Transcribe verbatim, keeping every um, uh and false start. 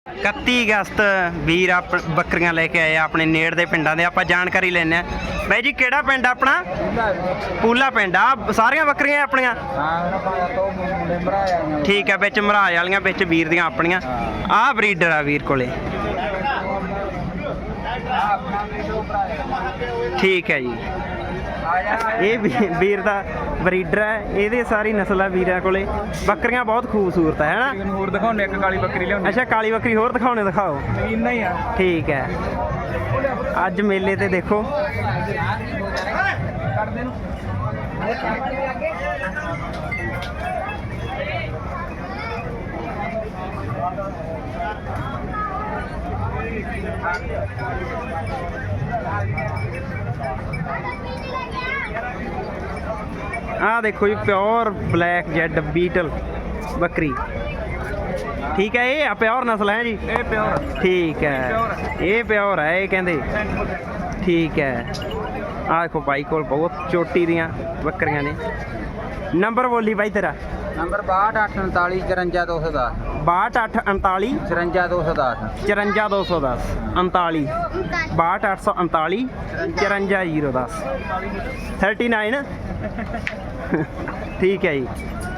इकत्ती अगस्त वीर आप बकरियां लेके आए अपने नेड़ दे पिंडां दे। आपां जानकारी लैने आ भाई जी, केड़ा पिंड अपना? पूला पिंड आ। सारियां बकरियां अपनियां? ठीक है, बिच मराज वालियां, बिच वीर दियां अपनियां। आ ब्रीडर आ वीर कोले। ठीक है जी, ये वीर दा ब्रीडर है। ये सारी नस्ल है वीर कोले। बकरियां बहुत खूबसूरत है ना। होर दिखाने एक काली बकरी लिया। अच्छा, काली बकरी होर दिखाने दिखाओ। इन्ना ही है। ठीक है, अज मेले ते देखो आ देखो जी, प्योर ब्लैक जेड बीटल बकरी। ठीक है, ये प्योर नस्ल है जी। ये प्योर। ठीक है, ये प्योर है ये कहते। ठीक है, आ देखो भाई को बहुत चोटी दियां बकरियां ने। नंबर बोली भाई तेरा? नंबर बाहठ अठ उनताली चरंजा दो सौ दस। बाहठ अठ उनताली चरंजा दो सौ दस। चरंजा दो सौ दस उनताली बाहठ अठ सौ उनताली चरंजा जीरो दस थर्टी नाइन। ठीक है जी।